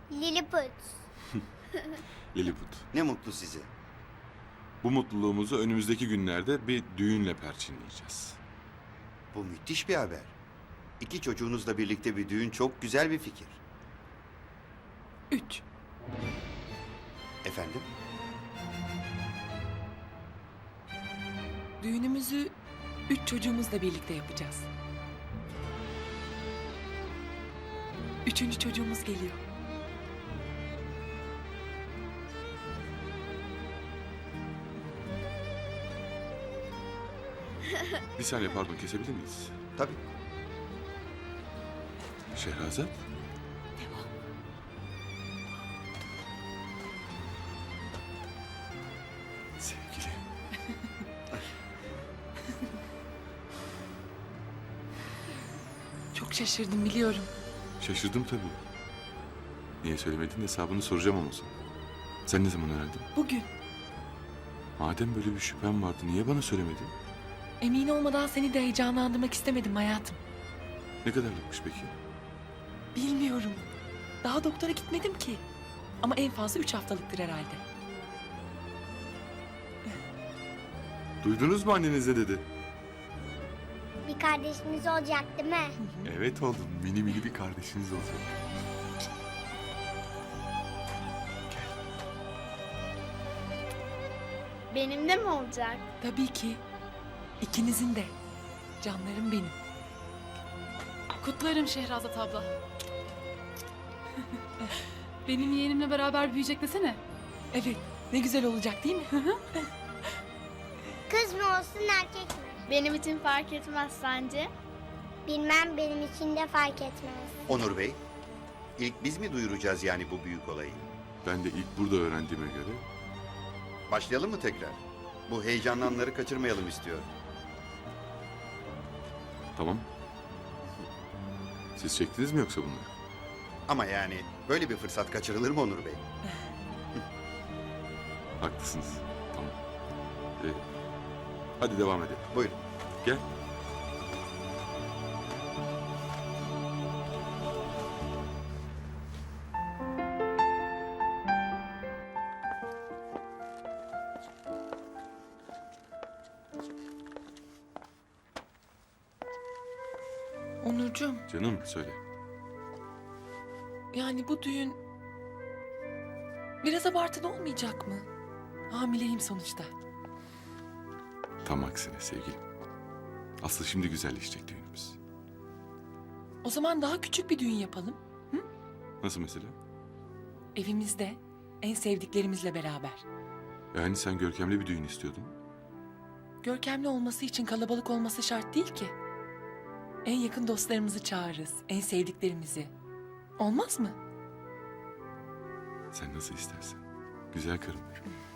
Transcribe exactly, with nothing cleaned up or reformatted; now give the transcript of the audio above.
Lilliput. Lilliput. Ne mutlu size. Bu mutluluğumuzu önümüzdeki günlerde bir düğünle perçinleyeceğiz. Bu müthiş bir haber. İki çocuğunuzla birlikte bir düğün çok güzel bir fikir. Üç. Efendim? Düğünümüzü üç çocuğumuzla birlikte yapacağız. Üçüncü çocuğumuz geliyor. Bir saniye pardon kesebilir miyiz? Tabii. Şehrazat? Sevgili. Çok şaşırdım biliyorum. Şaşırdım tabii. Niye söylemedin hesabını soracağım ama sana. Sen ne zaman öğrendin? Bugün Madem böyle bir şüphem vardı niye bana söylemedin? emin olmadan seni de heyecanlandırmak istemedim hayatım. Ne kadarlıkmış peki? Bilmiyorum. Daha doktora gitmedim ki. Ama en fazla üç haftalıktır herhalde. Duydunuz mu anneniz ne dedi? Bir kardeşimiz olacak değil mi? Evet oğlum mini mini bir kardeşiniz olacak. Benim de mi olacak? Tabii ki. İkinizin de. Canlarım benim. Kutlarım Şehrazat abla. Benim yeğenimle beraber büyüyecek desene. Evet. Ne güzel olacak değil mi? Kız mı olsun erkek mi? Benim için fark etmez sence? Bilmem, benim için de fark etmez. Onur Bey, ilk biz mi duyuracağız yani bu büyük olayı? Ben de ilk burada öğrendiğime göre Başlayalım mı tekrar? Bu heyecanlı anları kaçırmayalım istiyorum. tamam. Siz çektiniz mi yoksa bunları? Ama yani böyle bir fırsat kaçırılır mı Onur Bey? Haklısınız. Tamam. Ee, hadi devam edelim. Buyurun. Gel. Onurcuğum, Canım söyle. yani bu düğün biraz abartılı olmayacak mı? Hamileyim sonuçta. Tam aksine sevgilim. Aslı şimdi güzelleşecek düğünümüz. O zaman daha küçük bir düğün yapalım. Nasıl mesela? Evimizde, en sevdiklerimizle beraber. Yani sen görkemli bir düğün istiyordun. Görkemli olması için kalabalık olması şart değil ki. En yakın dostlarımızı çağırırız, en sevdiklerimizi. Olmaz mı? Sen nasıl istersen. Güzel karım.